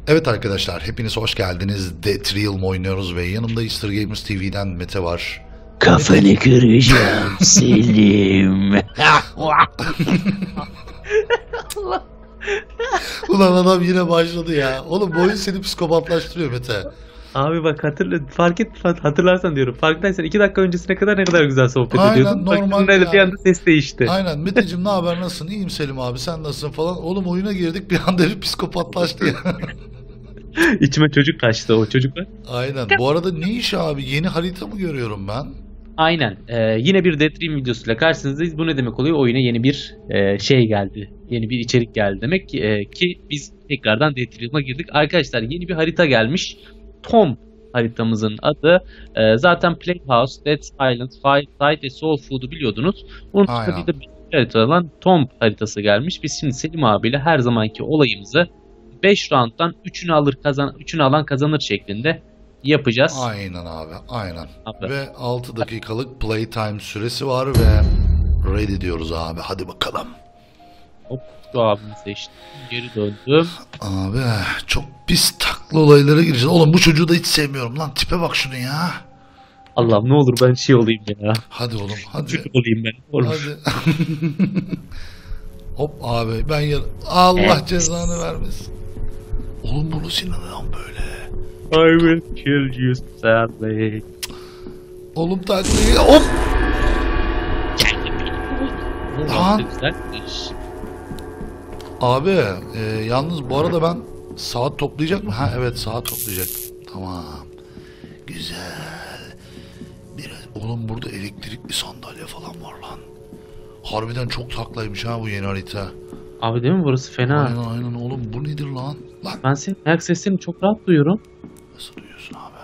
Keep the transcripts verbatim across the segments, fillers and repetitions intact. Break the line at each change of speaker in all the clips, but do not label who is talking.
Evet arkadaşlar, hepiniz hoş geldiniz. Death Realm oynuyoruz ve yanımda Easter Gamers T V'den Mete var.
Kafanı kıracağım Selim.
Ulan adam yine başladı ya. Oğlum bu oyun seni psikopatlaştırıyor Mete.
Abi bak hatırla, fark et hatırlarsan diyorum. Farkındaysan iki dakika öncesine kadar ne kadar güzel sohbet
Aynen,
ediyordun.
normal
Bak,
ya.
bir anda ses değişti.
Aynen Meteciğim, ne haber, nasılsın? İyiyim Selim abi, sen nasılsın falan. Oğlum oyuna girdik, bir anda bir psikopatlaştı ya.
İçime çocuk kaçtı o çocuklar.
Aynen. Bu arada ne iş abi? Yeni harita mı görüyorum ben?
Aynen. Ee, yine bir Death Dream videosuyla karşınızdayız. Bu ne demek oluyor? Oyuna yeni bir e, şey geldi. Yeni bir içerik geldi demek ki, e, ki biz tekrardan Death Dream'a girdik. Arkadaşlar yeni bir harita gelmiş. Tomb haritamızın adı. E, zaten Playhouse, Dead Island, Fireside ve Soul Food'u biliyordunuz. Onun
Aynen.
tabii de bir harita olan Tomb haritası gelmiş. Biz şimdi Selim abiyle her zamanki olayımızı beş round'dan üçünü alır kazan üçünü alan kazanır şeklinde yapacağız.
Aynen abi, aynen.
Abi.
Ve altı dakikalık playtime süresi var ve ready diyoruz abi. Hadi bakalım.
Hop, şu abimi seçtim. Geri döndüm.
Abi çok pis taklı olaylara gireceğiz. Oğlum bu çocuğu da hiç sevmiyorum lan. Tipe bak şunu ya.
Allah'ım ne olur ben şey olayım ya.
Hadi oğlum hadi.
Çocuk olayım ben. Olur.
Hadi. Hop abi ben yer. Allah
Evet.
cezanı vermesin. Oğlum bunu Sinan'dan böyle.
I will kill you sadly.
Oğlum taklıyı hop. Lan.
Güzelmiş.
Abi e, yalnız bu arada ben saat toplayacak mı? Ha evet, saat toplayacak. Tamam. Güzel. Biraz, oğlum burada elektrikli sandalye falan var lan. Harbiden çok taklaymış ha bu yeni harita.
Abi değil mi burası fena?
Aynen aynen oğlum, bu nedir lan? Lan
Ben senin ayak seslerini çok rahat duyuyorum.
nasıl duyuyorsun abi?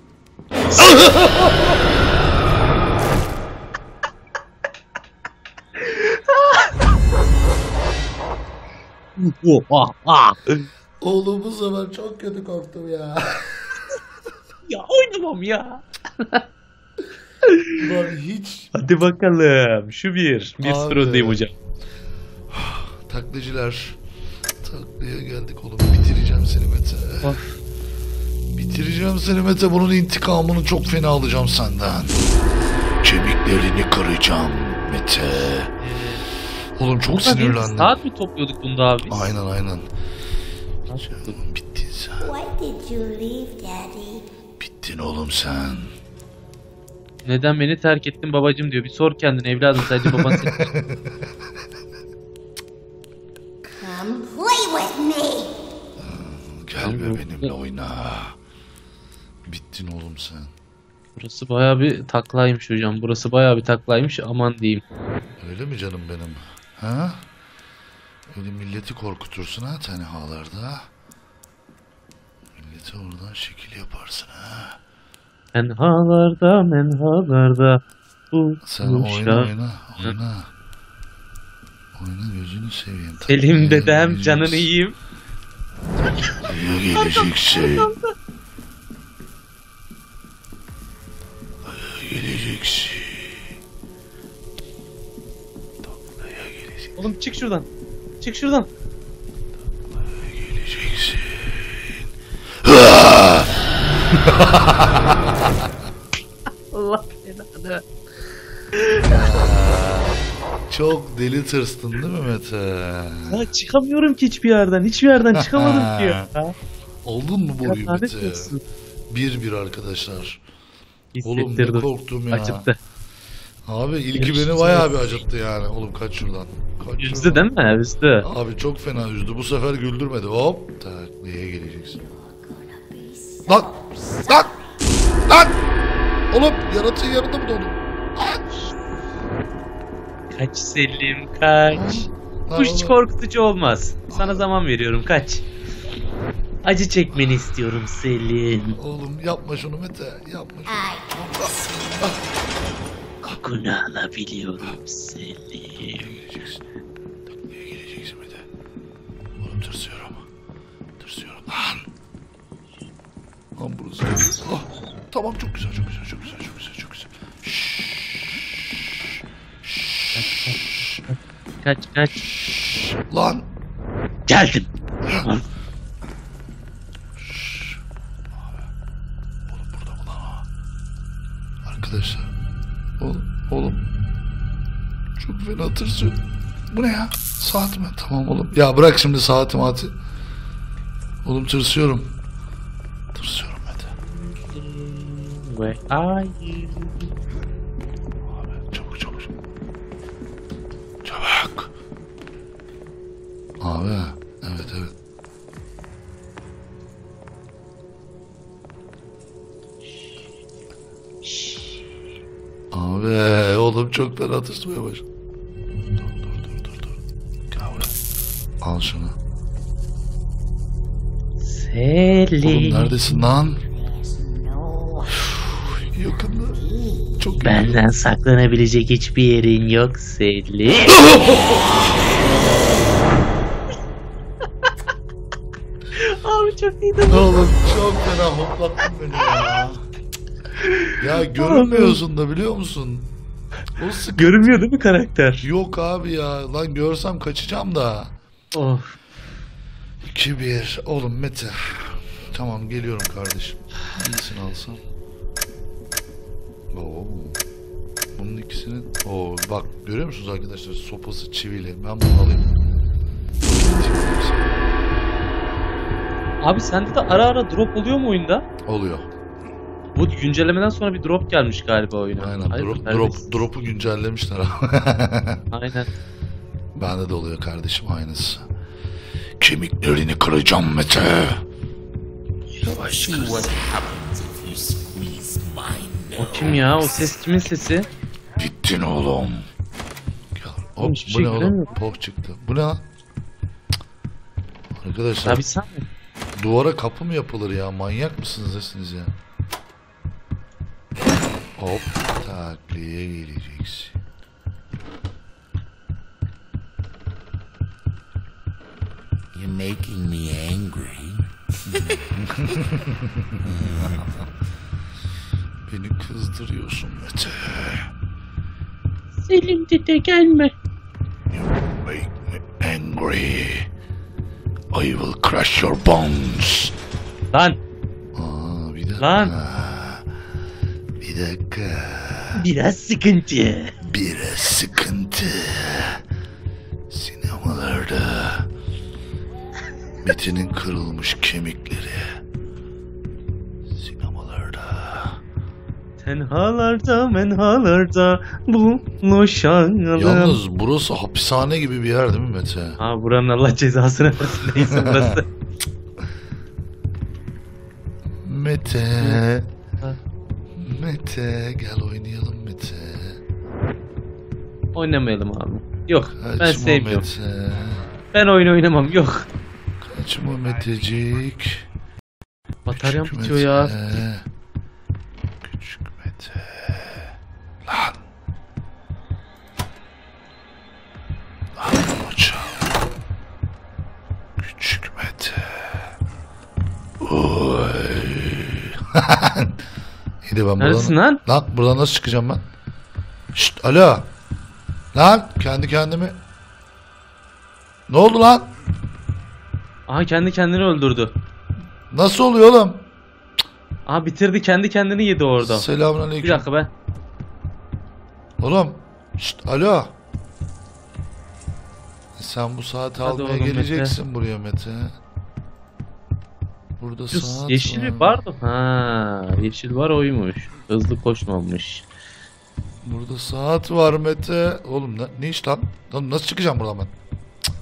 Oğlum bu sefer çok kötü korktum ya.
Ya oynamam ya.
Lan hiç.
Hadi bakalım. Şu bir. Bir
Abi.
sıfır öndeyim hocam.
Taklacılar. Taklaya geldik oğlum. Bitireceğim seni Mete.
Of.
Bitireceğim seni Mete. Bunun intikamını çok fena alacağım senden. Kemiklerini kıracağım Mete. Oğlum çok
Burada bir
sinirlendim.
saat mi topluyorduk bunda abi?
Aynen aynen.
Nasıl?
Bittin sen.
Why did you leave, Daddy?
Bittin oğlum sen.
Neden beni terk ettin babacım diyor. Bir sor kendine evladım, sadece baban seni.
Come play with me.
Gel be benimle oyna. Bittin oğlum sen.
Burası bayağı bir taklaymış hocam. Burası bayağı bir taklaymış, aman diyeyim.
Öyle mi canım benim? Ha? Öyle milleti korkutursun ha tenhalarda. Milleti oradan şekil yaparsın ha.
Menhalarda menhalarda bu
Sen oyna
kuşlar.
oyna oyna. Oyna gözünü seveyim.
Selim dedem
Tabii,
canını
geleceksin.
yiyeyim.
Tabii geleceksin. Tabii geleceksin. Taklaya geleceksin.
Oğlum çık şuradan. Çık şuradan.
Geleceksin.
Allah belanı.
Çok deli tırstın değil mi Mete?
Ya çıkamıyorum ki hiçbir yerden. Hiçbir yerden çıkamadım ki ya.
Oldun mu bu oyun
Lanet
Mete?
olsun.
Bir bir arkadaşlar. Oğlum ne
Hissettirdim.
korktum ya.
Acıttı.
Abi ilki
Üzdü.
beni bayağı bir acıttı yani. Oğlum kaç şuradan. Kaç
Üzdü
şuradan.
değil mi? Üzdü.
Abi çok fena üzdü. Bu sefer güldürmedi. Hop. Taklaya geleceksin. Lan. Lan. Lan. Oğlum yaratığın yanında mı doğdun?
Kaç Selim kaç.
Lan
Bu hiç
oğlum.
korkutucu olmaz. Sana zaman veriyorum, kaç. Acı çekmeni istiyorum Selim.
Oğlum yapma şunu Mete. Yapma şunu.
I
Kokunu alabiliyorum Selim.
Geleceksin. Taklaya geleceksin Mete. Oğlum tırsıyorum. Tırsıyorum. Lan. Lan burası. Ah. Tamam, çok güzel, çok güzel, çok güzel, çok güzel, çok güzel.
Kaç kaç.
Lan.
Geldim.
Arkadaşlar. Oğlum, oğlum. Çok fena tırsıyor. Bu ne ya? Saat mi? Tamam oğlum. Ya bırak şimdi saati maati. Oğlum tırsıyorum. Tırsıyorum hadi.
Where are you?
Abi çabuk çabuk. Çabuk. Abi evet evet. Abi oğlum çok fena tırsmaya başladı. Dur dur dur dur dur. Gel buraya. Al şunu.
Selin.
Oğlum neredesin lan?
No.
Yakında. Çok yakında.
Benden saklanabilecek hiçbir yerin yok Selin. Abi çok iyiydi.
Oğlum çok fena hoplattın beni ya. Ya görünmüyorsun da biliyor musun? O sıkıntı.
Görünmüyor değil mi karakter?
Yok abi ya. Lan görsem kaçacağım da.
Of.
iki bir. Oğlum Mete. Tamam geliyorum kardeşim. İyisini alsam. Oo. Bunun ikisinin... Oo, bak görüyor musunuz arkadaşlar? Sopası çivili. Ben bunu alayım.
Abi sende de ara ara drop oluyor mu oyunda?
Oluyor.
Bu güncellemeden sonra bir drop gelmiş galiba oyuna.
Aynen.
Hayır,
Drop,
neredeyse.
drop, drop'u güncellemişler abi.
Aynen.
Bende de oluyor kardeşim aynısı. Kemiklerini kıracağım Mete. Yavaş kız.
O kim ya? O ses kimin sesi?
Bittin oğlum. Gel.
Oğlum,
Hop,
hiçbir
bu
şey
ne oğlum?
göremiyorum.
Poh çıktı. Bu ne lan? Cık. Arkadaşlar
Abi sen mi?
duvara kapı mı yapılır ya? Manyak mısınız nesiniz ya? Hop takliye geleceksin.
You're making me angry.
Beni kızdırıyorsun Mete.
Selim dede gelme.
You make me angry. I will crush your bones.
Lan.
Aa, bir dakika.
Lan.
Bir dakika.
Biraz sıkıntı.
Biraz sıkıntı. Sinemalarda Mete'nin kırılmış kemikleri. Sinemalarda.
Tenhalarda menhalarda buluşalım.
Yalnız burası hapishane gibi bir yer değil mi Mete?
Ha buranın Allah cezasını versin neyse burası.
Mete.
Ha.
Mete gel oynayalım Mete.
Oynamayalım abi. Yok ben
Kaçma
sevmiyorum.
Mete.
Ben oyun oynamam yok.
Kaçma Metecik.
Bataryam
Küçük
bitiyor ya.
Mete. Küçük Mete. Lan. Lan hocam. Küçük Mete. Oy. İyi de ben
Neredesin
buradan...
lan?
Lan buradan nasıl çıkacağım ben? Şşt alo. Lan kendi kendimi... Ne oldu lan?
Aha kendi kendini öldürdü.
Nasıl oluyor oğlum?
Aha bitirdi kendi kendini yedi orada.
Selamünaleyküm.
Bir dakika ben.
Oğlum. Şşt alo. Sen bu saati
Hadi
almaya
oğlum
geleceksin buraya Mete. Burada
Şu
saat
yeşil
var.
bir bardı. Ha, yeşil var oymuş. Hızlı koşmamış.
Burada saat var Mete. Oğlum ne, ne iş lan? Lan nasıl çıkacağım buradan ben? Cık.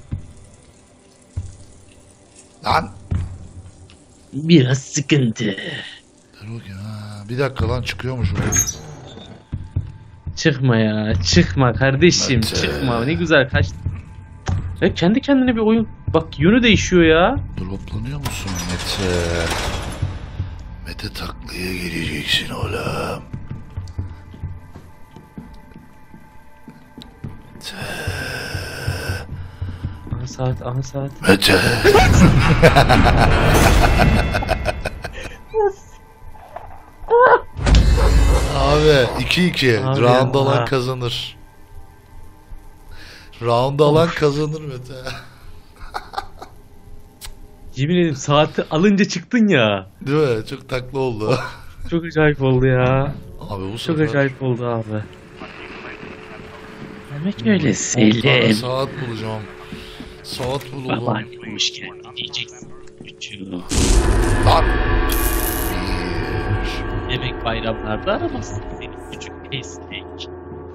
Lan.
Biraz sıkıntı.
Dur bakayım ha. Bir dakika lan çıkıyormuş burada.
Çıkma ya. Çıkma kardeşim.
Mete.
Çıkma. Ne güzel kaç. Ya kendi kendine bir oyun. Bak yönü değişiyor ya.
Droplanıyor musun Mete? Mete taklaya geleceksin oğlum. Mete.
Aha saat, aha saat.
Mete. Abi iki iki.
Abi
Round
ya.
alan kazanır. Round alan kazanır Mete.
Yemin ederim saati alınca çıktın ya.
Değil mi? Çok taklı oldu.
Çok acayip oldu ya.
Abi bu
Çok
sefer
acayip oldu abi. Demek öyle
on tane
Selim.
saat bulacağım. Saat bulalım.
Babaanne hoşken diyeceksin. Üçü.
Lan.
Demek bayramlarda aramazsın seni küçük esnek.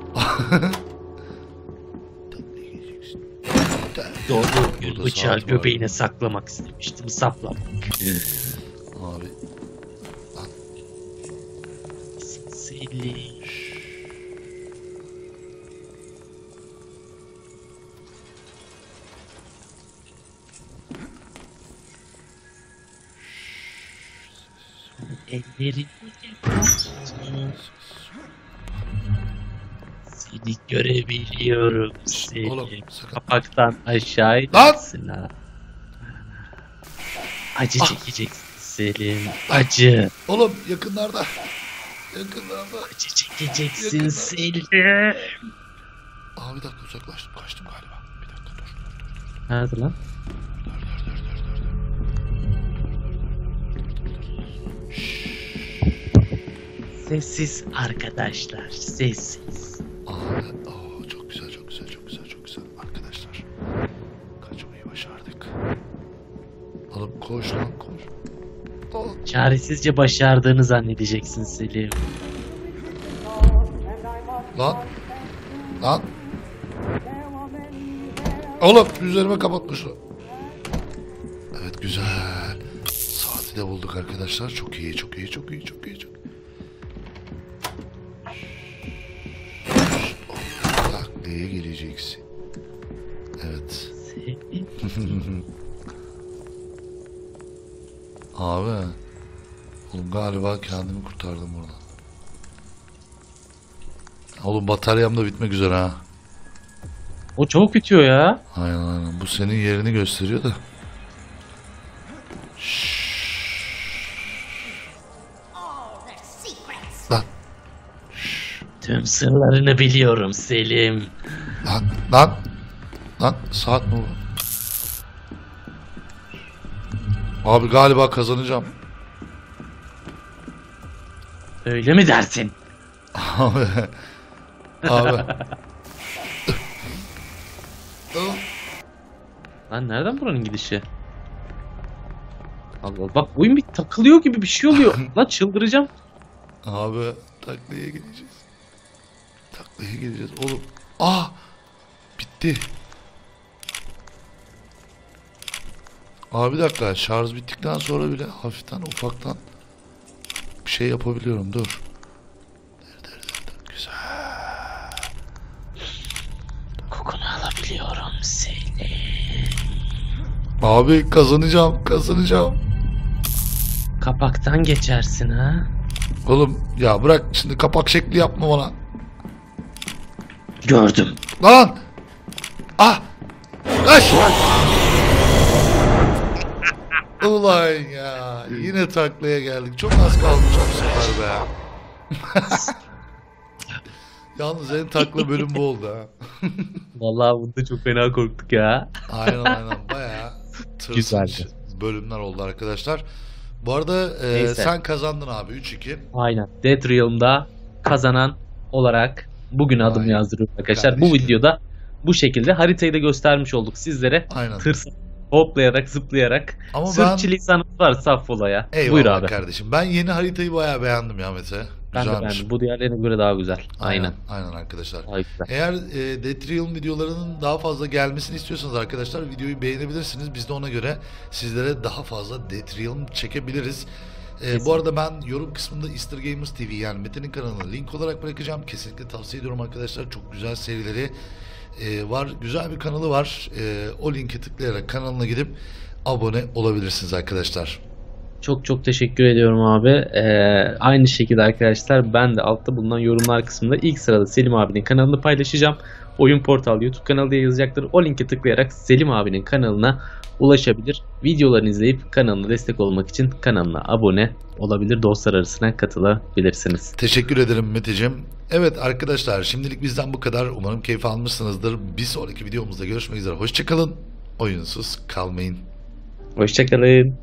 Doğduğum gün
Burada
bıçağı
saat var.
göbeğine saklamak istemiştim. Saplamak.
Abi.
Selim. Ellerini yapacağım. Seni görebiliyorum Selim.
Oğlum sakın.
Kapaktan aşağı
Lan!
inersin ha. Acı çekeceksin Selim. Acı.
Oğlum yakınlarda. Yakınlarda.
Acı çekeceksin
Yakında.
Selim.
Aa bir dakika uzaklaştım. Kaçtım galiba. Bir dakika dur.
Nerede lan?
Dur dur dur dur dur.
Sessiz arkadaşlar. Sessiz.
Abi oo, çok güzel çok güzel çok güzel çok güzel arkadaşlar. Kaçmayı başardık. Oğlum koş lan koş. Aa,
Çaresizce başardığını zannedeceksin Selim.
lan. Lan. Oğlum üzerime kapatmışlar. Evet güzel. Saati de bulduk arkadaşlar. Çok iyi çok iyi çok iyi çok iyi çok iyi. Taklaya geleceksin. Evet.
Selim.
Abi. Oğlum galiba kendimi kurtardım buradan. Oğlum bataryam da bitmek üzere ha.
O çok bitiyor ya.
Aynen aynen. Bu senin yerini gösteriyor da.
All the secrets.
Lan
Tüm sırlarını biliyorum Selim.
lan lan. Lan saat mi bu? Abi galiba kazanacağım.
Öyle mi dersin?
Abi. Abi.
Lan nereden buranın gidişi? Allah Allah. Bak oyun bir takılıyor gibi bir şey oluyor. Lan çıldıracağım.
Abi taklaya gideceğiz. Taklaya gideceğiz. Oğlum. Ah. Bitti. Abi bir dakika. Şarj bittikten sonra bile hafiften ufaktan bir şey yapabiliyorum. Dur. Dur dur dur. dur. Güzel.
Kokunu alabiliyorum Selim.
Abi kazanacağım. Kazanacağım.
Kapaktan geçersin ha.
Oğlum ya bırak şimdi kapak şekli yapma bana.
Gördüm.
Lan! Ah! Kaç! Ulan ya yine taklaya geldik. Çok az kalmış bu sefer be. Yalnız en takla bölüm bu oldu ha.
Vallahi bunda çok fena korktuk ya.
Aynen aynen bayağı tırsınç
Güzeldi.
bölümler oldu arkadaşlar. Bu arada e,
Neyse.
sen kazandın abi üç iki.
Aynen. Death Realm'da kazanan olarak bugün adımı
Aynen.
yazdırıyorum arkadaşlar. Bu
Kardeşim.
videoda bu şekilde haritayı da göstermiş olduk sizlere.
Aynen.
Tırs hoplayarak zıplayarak.
Ama ben-
Sürçülisanımız var Saffola'ya.
Eyvallah
Buyur abi.
kardeşim. Ben yeni haritayı bayağı beğendim ya Mete.
Ben de
Güzelmiş.
beğendim. Bu diğerlerine göre daha güzel. Aynen.
Aynen arkadaşlar.
Daha güzel.
Eğer e, Death Realm videolarının daha fazla gelmesini istiyorsanız arkadaşlar videoyu beğenebilirsiniz. Biz de ona göre sizlere daha fazla Death Realm çekebiliriz. E, bu arada ben yorum kısmında Easter Gamers T V yani Mete'nin kanalını link olarak bırakacağım. Kesinlikle tavsiye ediyorum arkadaşlar. Çok güzel serileri e, var. Güzel bir kanalı var. E, o linke tıklayarak kanalına gidip abone olabilirsiniz arkadaşlar.
Çok çok teşekkür ediyorum abi. Ee, aynı şekilde arkadaşlar ben de altta bulunan yorumlar kısmında ilk sırada Selim abinin kanalını paylaşacağım. Oyun Portal YouTube kanalı diye yazacaktır. O linke tıklayarak Selim abinin kanalına ulaşabilir. Videolarını izleyip kanalına destek olmak için kanalına abone olabilir. Dostlar arasına katılabilirsiniz.
Teşekkür ederim Meteciğim. Evet arkadaşlar şimdilik bizden bu kadar. Umarım keyif almışsınızdır. Bir sonraki videomuzda görüşmek üzere. Hoşçakalın. Oyunsuz kalmayın.
Hoşçakalın.